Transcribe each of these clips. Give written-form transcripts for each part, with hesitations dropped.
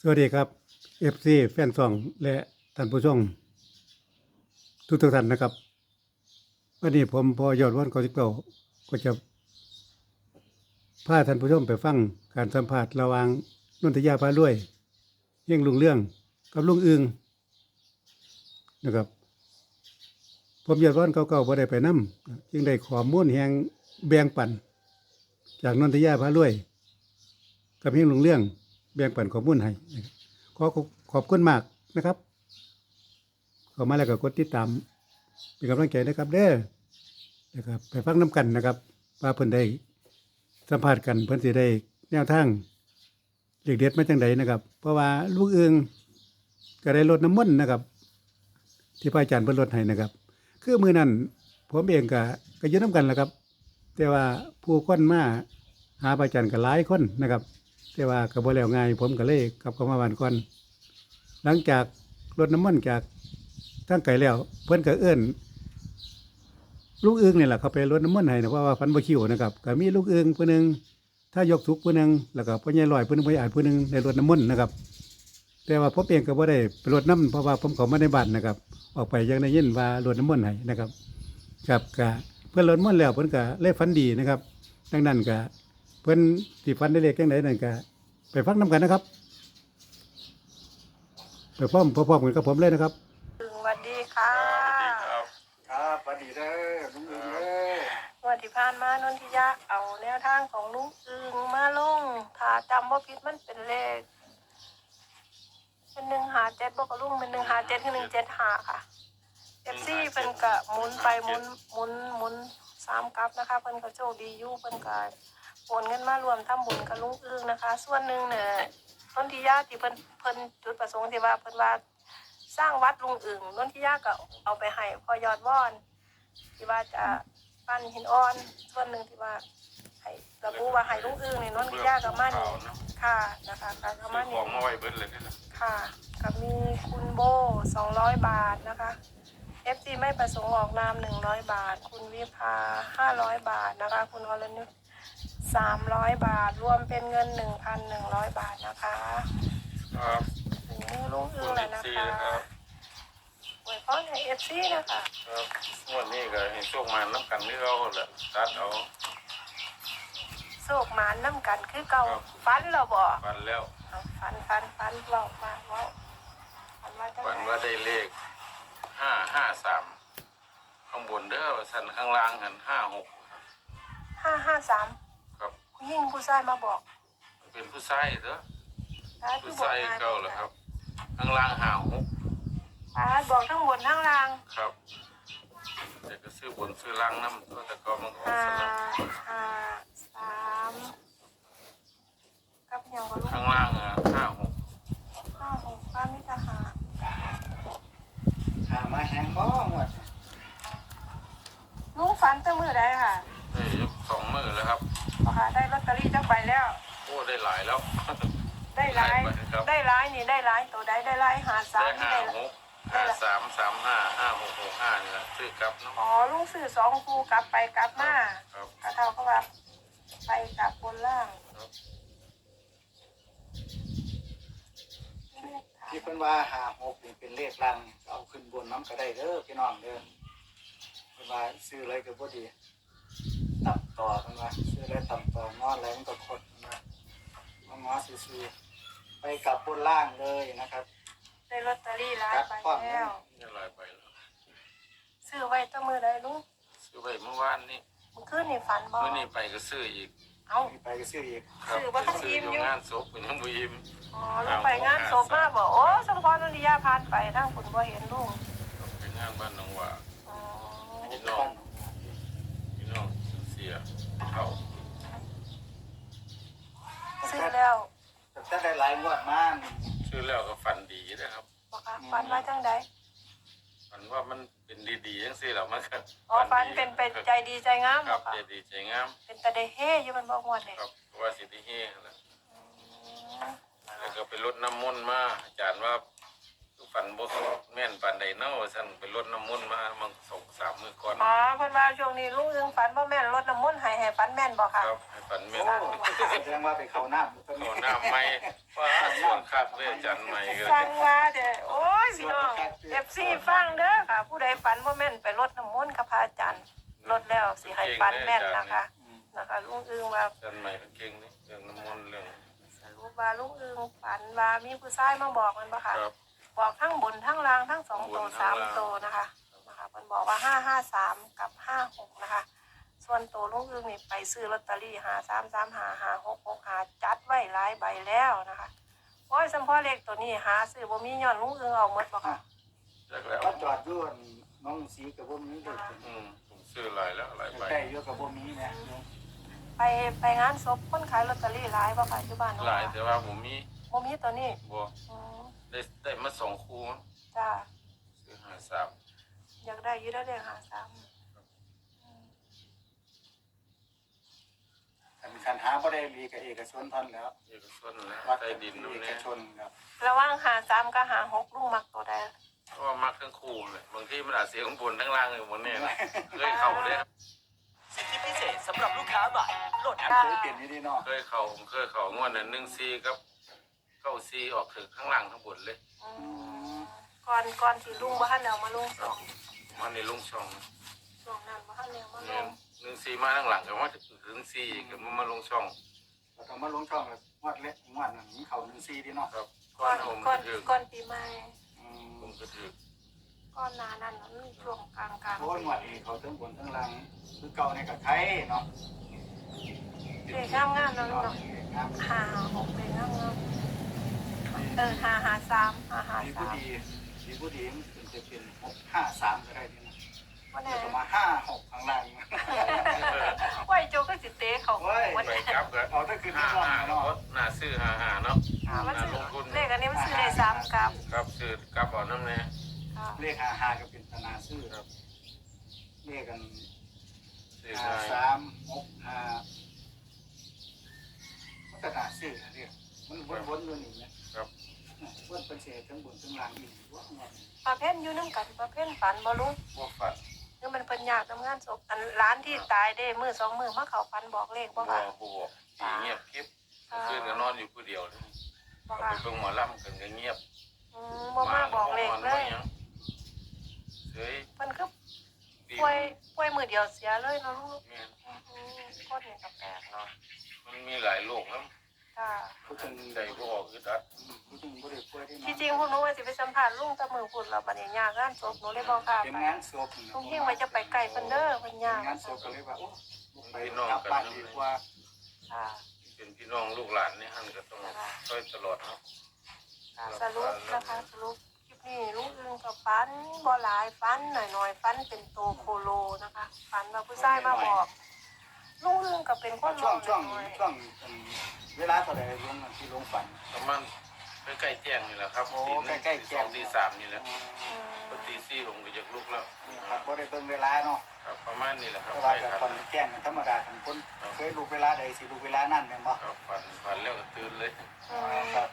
สวัสดีครับ FC แฟนซองและท่านผู้ชมทุกท่านนะครับวันนี้ผมพอยอดวันกอสิบเก้าก็จะพาท่านผู้ชมไปฟังการสัมภาษณ์ระหว่างนนทยาพารวยเฮงลุงเรื่องกับลุงอึงนะครับผมยอดวันเก่าๆบ่ได้ไปนำจึงได้ข้อมูลแห่งแบ่งปันจากนนทยาพารวยกับเฮงลุงเรื่องแบ่งปันข้อมูลให้นะครับขอบคุณมากนะครับเข้ามาแล้วก็กดติดตามเป็นกำลังใจนะครับเด้อนะครับไปฟังน้ำกันนะครับว่าเพิ่นได้สัมภาษณ์กันเพิ่นสิได้แนวทางเด็ดๆมาจังไดนะครับเพราะว่าลูกเอืองก็ได้ลดน้ำมนต์นะครับที่พระอาจารย์เพิ่นลดให้นะครับคือมื้อนั้นผมเองก็อยู่นํกันแหละครับแต่ว่าผู้คนมาหาพระอาจารย์ก็หลายคนนะครับแต่ว่าก็บ่แล้วง่ายผมก็เลยกลับเข้ามาบ้านก่อนหลังจากรดน้ำมนต์จากทางไกลแล้วเพิ่นก็เอิ้นลูกอึ้งนี่แหละเขาไปรดน้ำมนต์ให้นะเพราะว่าฟันบ่คิวนะครับก็มีลูกอึ้งผู้หนึงถ้ายกทุกผู้หนึงแล้วก็พ่อใหญ่ลอยผู้หนึงพ่อใหญ่อาจผู้หนึงได้รดน้ำมนต์นะครับแต่ว่าผมเองก็บ่ได้ไปรดน้ำเพราะว่าผมเข้ามาในบ้านนะครับออกไปยังได้ยินว่ารดน้ำมนต์ให้นะครับครับก็เพิ่นรดน้ำมนต์แล้วเพิ่นก็เลยฝันดีนะครับดังนั้นก็เพิ่นสิฝันได้เลขจังไดนั่นก็ไปฟังนํกันนะครับไปพร้อมกันกับผมเลยนะครับสวัสดีค่ะครับสวัสดีเด้อลุงอึงเด้อวันที่ผ่านมานนทิยะเอาแนวทางของลุงอึงมาลงถ้าจำว่าผิดมันเป็นเลขเป็น157บอกกับลุงเป็น157คือ175ค่ะFCเพิ่นก็หมุนไปหมุน3กลับนะคะเพิ่นก็โชคดีอยู่เพิ่นก็โอนเงินมารวมทำบุญกับลุงอึงนะคะส่วนหนึ่งเนี่ยนนทิยะที่เพิ่นจุดประสงค์ที่ว่าเพิ่นว่าสร้างวัดลุงอึงนนทิยาก็เอาไปให้พอยอดว่อนที่ว่าจะปั้นหินอ่อนส่วนหนึ่งที่ว่าให้ระบุว่าให้ลุงอึงในนนทิยากับมันค่ะนะคะกับมันนี่ของมาไว้เบิดเลยนี่นะค่ะกับมีคุณโบ200 บาทนะคะ FG ไม่ประสงค์ออกนาม100 บาทคุณวิภา500 บาทนะคะคุณวรนุช300 บาทรวมเป็นเงิน 1,100 บาทนะคะครับลุงอึงเลยนะคะไว้พอในFC นะคะครับวันนี้ก็เห็นช่วงมาน้ำกันนี่เราแหละตัดเอาโศกหมานน้ำกันคือเก่าฟันเราบ่ฟันแล้วฟันบอกมาว่าฟันว่าได้เลข553ข้างบนเด้อสันข้างล่างหัน 553 ครับผู้หญิงผู้ชายมาบอกเป็นผู้ชายเด้อผู้ชายเก่าแล้วครับข้างล่างบอกทั้งบนทั้งล่างครับแต่ก็ซื้อบนซื้อล่างน้ำตัวแต่ก็มันออกสลับ 3กับยังก็ลูกข้างล่าง 56ป้ามิตรหามาแหงบ้องว่ะลุงฝันตั้งมือได้ค่ะได้2 มื้อแล้วครับค่ะได้ลอตเตอรี่จักใบแล้วโอ้ได้หลายแล้วได้หลายนี่ได้หลายตัวได้หลาย53 ได้53355665นี่แหละซื้อกลับเนาะอ๋อลุงซื้อ2คู่กลับไปกลับมาก็เท่ากับว่าไปกลับบนล่างที่เพิ่นว่า56นี่เป็นเลขลังเอาขึ้นบนน้ำก็ได้เด้อพี่น้องเด้อเพิ่นว่าซื้ออะไรก็บ่ดีตับต่อเพิ่นว่าซื้ออะไรตับต่องออะไรมันก็คดงอซื่อๆไปกับบนล่างเลยนะครับได้ลอตเตอรี่หลายใบแล้วได้หลายใบแล้วซื้อไว้ตั้งมือได้ลุงซื้อไว้เมื่อวานนี้เมื่อคืนนี่ฝันบ่เมื่อนี้ไปก็ซื้ออีกเอาไปก็ซื้ออีกซื้อบ่ทันอิ่มอยู่งานศพยังบ่อิ่มอ๋อลุงไปงานศพมาบ่โอ้สมพรนนทิยาผ่านไปทางคุณบ่เห็นลุงไปงานบ้านหนองว่าอ๋อพี่น้องเสียเขาซื้อแล้วแต่ได้หลายงวดมาซื้อแล้วก็ฝันดีนะครับบ่ค่ะฝันว่าจังได๋ฝันว่ามันเป็นดีๆจังซี่แล้วมันก็ฝันเป็นใจดีใจงามครับใจดีใจงามเป็นตาได้เฮอยู่มันบ่ม่วนนี่ครับว่าสิได้เฮนั่นแหละแล้วก็ไปรดน้ำมนต์มาอาจารย์ว่าฝันบ่แม่นปานใดเนาะว่าซั่นไปรดน้ำมนต์มามัน2-3มื้อก่อนอ๋อเพิ่นว่าช่วงนี้ลุงอึงฝันบ่แม่นรดน้ำมนต์ให้ฝันแม่นบ่ค่ะครับให้ฝันแม่นโอ้แสดงว่าไปเข้าน้ำเอาน้ำใหม่ว่าส่วนคักเลยอาจารย์ใหม่ก็ฟังว่าเด้อโอ้ยพี่น้อง FC ฟังเด้อค่ะ ผู้ใดฝันบ่แม่นไปรดน้ำมนต์กับพระอาจารย์รดแล้วสิให้ฝันแม่นนะคะลุงอึงว่าอาจารย์ใหม่เก่งนี่เรื่องน้ำมนต์เรื่องสรุปว่าลุงอึงฝันว่ามีผู้ชายมาบอกมันบ่ค่ะครับบอกทั้งบนทั้งล่างทั้ง2ตัว3ตัวนะคะเพิ่นบอกว่า553กับ56นะคะส่วนตัวลุงอึงนี่ไปซื้อลอตเตอรี่5335566จัดไว้หลายใบแล้วนะคะโอ้ยสัมพอเลขตัวนี้หาซื้อบ่มีย้อนลุงอึงเอาหมดบ่ค่ะจักแล้วก็จอดอยู่น้องสีกับบ่มีเด้อผมซื้อหลายแล้วหลายใบใกล้อยู่กับบ่มีเนี่ยไปงานศพคนขายลอตเตอรี่หลายบ่ค่ะอยู่บ้านเนาะหลายแต่ว่าผมมีบ่มีตัวนี้บ่อืมได้มา2คู่มั้งจ้าซื้อ53 อยากได้อยู่ได้เลข53 คันหาบ่ได้มีกับเอกชนท่านแล้วเอกชนแล้ววัดใต้กับดินนู่นเอกเนี่ยชนครับระหว่าง53กับ56ลุงมักตัวใดเพราะว่ามักทั้งคู่เลยบางทีมันอาจเสียข้างบนทั้งล่างอยู่บนเนี่ยนะเคยเข่าเลยครับสิทธิพิเศษสำหรับลูกค้าใหม่โหลดแอปเคยเปลี่ยนอยู่ดีเนาะเคยเข่าผมเคยเข่างวดนั้น1-4กับ9-4ออกถึงข้างล่างทั้งบนเลยอืมก่อนที่ลุงบ่ทันเอามาลงสองมันในลุงช่องช่วงนั้นบ่ทันเอามาลเนี่ยง 1-4มาข้างหลังก็ว่าถึง4ก็มาลงช่องเราต้องมาลงช่องแล้วงวดเล็กงวดนั้นเขา1-4ดีเนาะครับก่อนผมก่อนก็ถือก่อนปีใหม่ผมก็ถือก่อนหน้านั้นมันช่วงกลางโอ้ยงวดนี้เขาทั้งบนทั้งล่างคือเก่าในกับไทยเนาะๆเลขงามๆเนาะลุงเนาะครับ 5-6เลขงามๆ553 มีผู้ 553 ดีมีผู้ดีมันจะเป็น653ก็ได้ดีนะบ่แน่จะมา5-6ข้างล่างไว้โจก็สิเตะเขาโอ้ยวันไปนี้ครับก็เอาถ้าคือที่ช่อง 55 เนาะน่าซื้อ55เนาะมันซื้อลงทุนเลขอันนี้มันซื้อได้3กับครับซื้อกลับเอาน้ำแน่ค่ะเลข55ก็เป็นธนาซื้อครับเลขกันซื้อง่าย 5365มันก็น่าซื้อนะเรียกมันวนๆอยู่นี่นะครับ วนเป็นเศษทั้งบนทั้งล่างอีกว่าเนาะประเภทอยู่นำกันประเภทฝันบ่ลุงพวกฝันคือมันเป็นยากทำงานศพอันร้านที่ตายได้มือสองมือมาเขาฟันบอกเลขบ่บัวค่ะบัวสีเงียบคลิปคืนก็นอนอยู่ผู้เดียวเลยบ่เอาค่ะไปเบิ่งหมอลำกันก็เงียบบ่มาบอกเลขเลยเฮ้ยมันคือดีป่วยมือเดียวเสียเลยเนาะลูกแม่นคนนี่ก็แปลกเนาะมันมีหลายโรคครับค่ะผู้ถึงใจบ่ออกคือดัดผู้ถึงบ่ได้ป่วยที่ที่จริงพวกหนูว่าสิไปสัมภาษณ์ลุงแตะมือพุ่นแล้วบัดนี้ยากงานศพหนูเลยบ่กล้าเป็นไปงานศพลุงเฮงว่าจะไปไกลเพิ่นเด้อเพิ่นยากงานศพก็เลยว่าโอ้ไปกลับบ้านดีกว่าค่ะเป็นพี่น้องลูกหลานนี่หั่นก็ต้องช่วยตลอดเนาะสรุปนะคะสรุปคลิปนี้ลุงอึงกับฟันบ่หลายฟันหน่อยๆฟันเป็นโตโคโลนะคะฟันว่าผู้ชายมาบอกลุงอึงก็เป็นคนช่วงน้อยเวลาเท่าใดลงที่ลงฝันประมาณใกล้ๆแจ้งนี่แหละครับโอ้ตีใกล้ๆแจ้งตี3นี่แหละพอตี4ผมก็จะลุกแล้วครับบ่ได้เบิ่งเวลาเนาะครับประมาณนี้แหละครับเพราะไปว่าครับตอนแจ้งธรรมดาทุกคนเคยลูกเวลาใดสิลูกเวลานั้นแม่นบ่ครับฝันแล้วก็ตื่นเลยครับ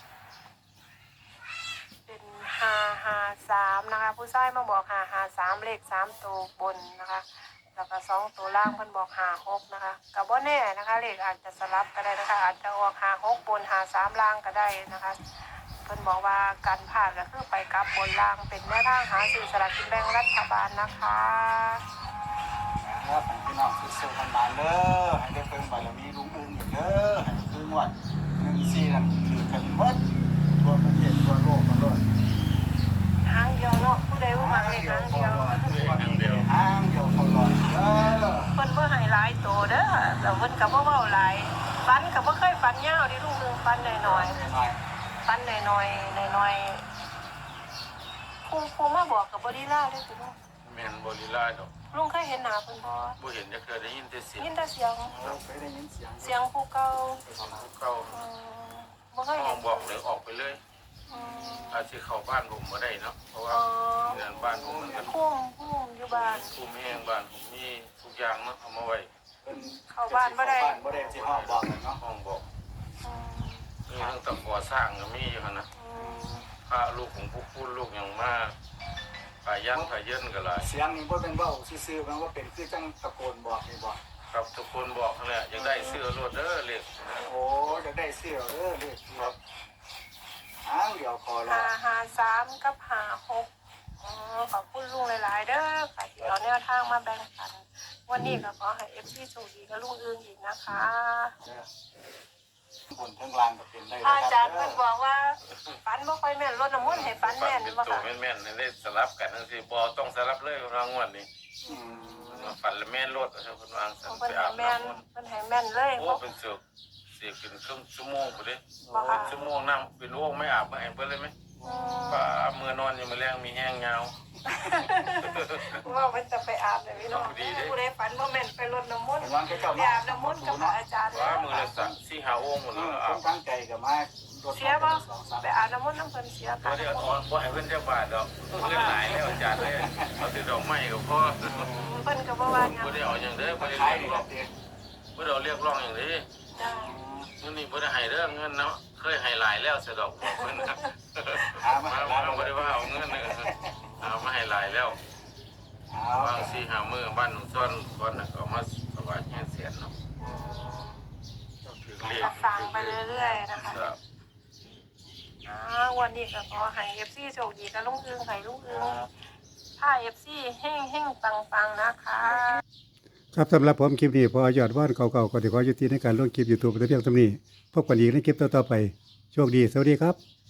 เป็น553นะคะผู้ชายมาบอก553เลข3ตัวบนนะคะแล้วก็2ตัวล่างเพิ่นบอก56นะคะก็บ่แน่นะคะเลขอาจจะสลับก็ได้นะคะอาจจะออก56บน53ล่างก็ได้นะคะเพิ่นบอกว่าการผ่านก็คือไปกลับบนล่างเป็นแนวทางหาซื้อสลากกินแบ่งรัฐบาลนะคะครับพี่น้องสู้ๆกันมาเด้อให้ได้เพิ่งบารมีลุงอึ้งอีกเด้อให้คืองวด14นั่นคือกันหมดทั่วประเทศทั่วโลกกันเลยหางเดียวเนาะผู้ใดว่ามักเลขหางเดียวทางเดียวเขาหลอดเด้อเพิ่นบ่ให้หลายโตเด้อแล้วเพิ่นก็บ่เว้าหลายฟันก็บ่เคยฟันยาวดิลุงนึงฟันน้อยหน่อยๆฟันน้อยๆครูมาบอกก็บ่ได้ลาเด้อคุณลุงแม่นบ่ลีลาดอกลุงเคยเห็นหน้าเพิ่นบ่บ่เห็นจะเคยได้ยินแต่เสียงยินแต่เสียงเราเคยได้ยินเสียงเสียงผู้เก่าเก่าบ่เคยห้เห็อน งบอกเลยออกไปเลยอืมอาจสิเข้าบ้านผมบ่ได้เนาะเพราะว่าอ๋อเงินบ้านผมมันก็พุ่มอยู่บ้านคุมแห้งบ้านผมมีทุกอย่างเนาะเอามาไว้เข้าบ้านบ่ได้บ้านบ่ได้สิห้องบอกกันเนาะห้องบอกอืมมีทั้งตะขอสร้างก็มีอยู่หั่นนะอืมพระลูกของผู้พูดลูกอย่างมากพายันพาเยินกันหลายเสียงนี่บ่เป็นเว้าซื่อๆมันว่าเป็นคือจังตะโกนบอกนี่บ่ครับทุกคนบอกนั่นแหละอยากได้เสื้อรถเด้อเล็กโอ้จะได้เสื้อเลขครับเดี๋ยวขอรอ 553กับ56อ๋อขอบคุณลุงหลายๆเด้อค่ะที่เอาแนวทางมาแบ่งปันวันนี้ก็ขอให้ FC โชคดีกับลุงอึงอีกนะคะบนทั้งล่างก็เป็นได้อาจารย์เพิ่นบอกว่าฝันบ่ค่อยแม่นรดน้ำมนต์ให้ฝันฝันแม่นเป็นบ่ตัวค่ะแม่นๆได้สลับกันทั้งสี่บอต้องสลับเลยรางวัลนี้ฝันแล้วแม่นรถนะครับคุณวางสันเพิ่นไปให้อาบแม่นน้ำมนต์เพิ่นให้แม่นเลยโอ้บ่เป็นเสือกเสียเป็นครึ่งชั่วโมงไปเลยบ่ค่ะชั่วโมงน้ำเป็นโอ่งไม่อาบไม่เห็นเพิ่นเลยไหมป้ามือนอนอยู่มาแรงมีแห้งยาวว่ามันจะไปอาบเลยพี่น้องดีเด้ผู้ใดฝันบ่แม่นไปรดน้ำมนต์เป็นวันก็เจ้าไปอาบน้ำมนต์กับพระอาจารย์ว่ามือละสักสี่หาโอ่งหมดคแล้วอาบนตั้งใจกับมาเสียบ่ไปอาบน้ำมนต์น้ำเพิ่นเสียพค่ะอเดี๋ยวตอนบ่ให้เพิ่นจะบาทดอกเงินหลายแล้วอาจารย์เลยเอาแต่ดอกไม้ก็พอเพิ่นก็บ่ว่าหยังบ่ได้เอาอย่างเด้อบ่ได้ขายเรียกดีร้องเด็ดบ่ได้เอาเรียกร้องอย่างนี้จ้าเงินนี่บ่ได้ให้เด้อเงินเนาะเคยให้หลายแล้วสะดอกบอกเพิ่นนะหามามาหาบ่มาได้ว่าเอาเงินเอามาให้หลายแล้วเอาวางสี่หามื้อบ้านหนุ่มซ้อนก่อนน่ะก็เอามาถวายแห่เสียนเนาะถึงเรียก็กฟังไปเรื่อยๆนะคะครับวันนี้ก็ขอให้ FC โชคดีกับลุงอึงให้ลุงอึงถ้า FC เฮ่งๆปังๆนะคะครับสำหรับผมคลิปนี้พอยอดว่านเก่าๆก็ถือขอยุติในการลงคลิป YouTube แต่เพียงเท่านี้พบกันอีกในคลิปต่อๆไปโชคดีสวัสดีครับ